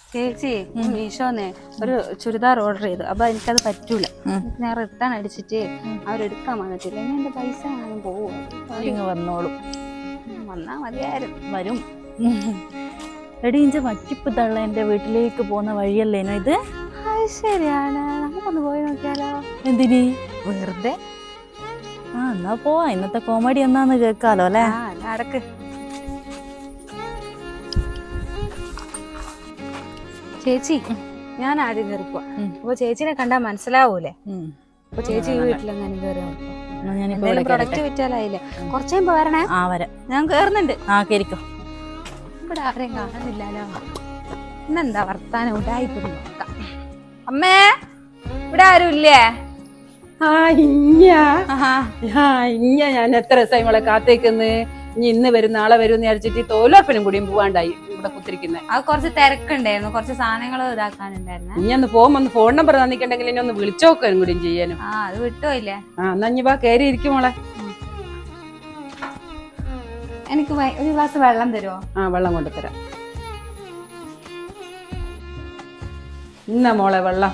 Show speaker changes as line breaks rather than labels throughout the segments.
ചേച്ചി മീഷോന്ന് ഒരു ചുരിദാർ ഓർഡർ ചെയ്തു. അപ്പൊ എനിക്കത് പറ്റൂല. ഞാൻ റിട്ടേൺ അടിച്ചിട്ട് അവരെടുക്കാൻ വന്നിട്ടില്ല. ഇനി എന്റെ പൈസ ഞാനും പോവും.
വന്നോളും.
വന്നാ മതിയായിരുന്നു.
വരും. എടീഞ്ച വറ്റിപ്പ് തള്ള എന്റെ വീട്ടിലേക്ക് പോകുന്ന വഴിയല്ലേനോ ഇത്?
ശരിയാണ്, നമുക്കൊന്ന് പോയി നോക്കിയാലോ?
എന്തിന്?
വെറുതെ.
എന്നാ പോവാ. ഇന്നത്തെ കോമഡി എന്നാന്ന് കേൾക്കാലോ അല്ലെ?
നടക്ക്. ചേച്ചി, ഞാൻ ആദ്യം കയറിപ്പോ. അപ്പൊ ചേച്ചിനെ കണ്ടാ മനസ്സിലാവൂലേ? അപ്പൊ ചേച്ചി വീട്ടിലെങ്ങനെ കയറി പ്രൊഡക്റ്റ് വിറ്റാലായില്ലേ? കുറച്ചുമ്പോ വരണേ.
വരാം.
ഞാൻ കേറുന്നുണ്ട്.
കേറിക്കോ.
ഇവിടെ ആരെയും കാണുന്നില്ലല്ലോ. ഇന്നെന്താ വർത്താനം ഉണ്ടായിപ്പോ നോക്കാം. അമ്മേ, ഇവിടെ ആരും ഇല്ലേ?
ഞാൻ എത്ര ദിവസമായി മോളെ കാത്തേക്കുന്ന്. ഇനി ഇന്ന് വരും നാളെ വരും വിചാരിച്ചിട്ട് തോലോപ്പനും കൂടിയും പോവാണ്ടായി ഇവിടെ കുത്തിരിക്കുന്നത്.
അത് കുറച്ച് തിരക്കുണ്ടായിരുന്നു, കുറച്ച് സാധനങ്ങൾ ഇതാക്കാനുണ്ടായിരുന്നു.
ഇനി ഒന്ന് പോകുമ്പോ ഒന്ന് ഫോൺ നമ്പർ തന്നിട്ടുണ്ടെങ്കിൽ ഇനി ഒന്ന് വിളിച്ചോക്കാനും കൂടിയും ചെയ്യാനും.
അത് വിട്ടുപോയില്ലേ?
എന്നാ ഇനി വാ, കയറി ഇരിക്കും മോളെ.
എനിക്ക് ഒരു ഗ്ലാസ് വെള്ളം തരുമോ?
വെള്ളം കൊണ്ടുതരാം. ഇന്ന മോളെ വെള്ളം.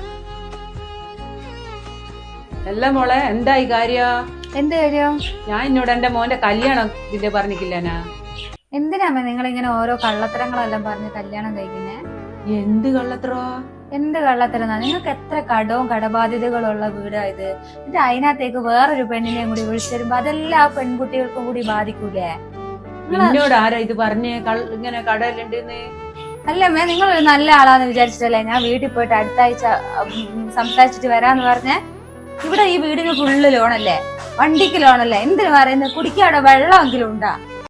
അല്ല മോളെ, എന്തായി കാര്യം?
എന്ത് കാര്യം?
ഞാൻ എന്നോട് എന്റെ മോന്റെ കല്യാണം ഇതിന്റെ പറഞ്ഞിട്ടില്ലനാ.
എന്തിനാമേ നിങ്ങൾ ഇങ്ങനെ ഓരോ കള്ളത്തരങ്ങളെല്ലാം പറഞ്ഞ് കല്യാണം കഴിക്കുന്നേ?
എന്ത് കള്ളത്തരോ?
എന്ത് കള്ളത്തരം? നിങ്ങൾക്ക് എത്ര കടവും കടബാധ്യതകളുള്ള വീടായത്. എന്നിട്ട് അതിനകത്തേക്ക് വേറൊരു പെണ്ണിനെയും കൂടി വിളിച്ചിരുമ്പോ അതെല്ലാം ആ പെൺകുട്ടികൾക്കും കൂടി ബാധിക്കൂലേ?
എന്നോട് ആരാ ഇത് പറഞ്ഞേ ഇങ്ങനെ കടയിലുണ്ടെന്ന്?
അല്ലമ്മേ, നിങ്ങൾ ഒരു നല്ല ആളാന്ന് വിചാരിച്ചിട്ടല്ലേ ഞാൻ വീട്ടിൽ പോയിട്ട് അടുത്ത ആഴ്ച സംസാരിച്ചിട്ട് വരാന്ന് പറഞ്ഞേ. ഇവിടെ ഈ വീടിന് ഫുള്ള് ലോണല്ലേ, വണ്ടിക്ക് ലോണല്ലേ, എന്തിനു പറയുന്നത്? കുടിക്കാടെ വെള്ളമെങ്കിലും ഉണ്ടാ?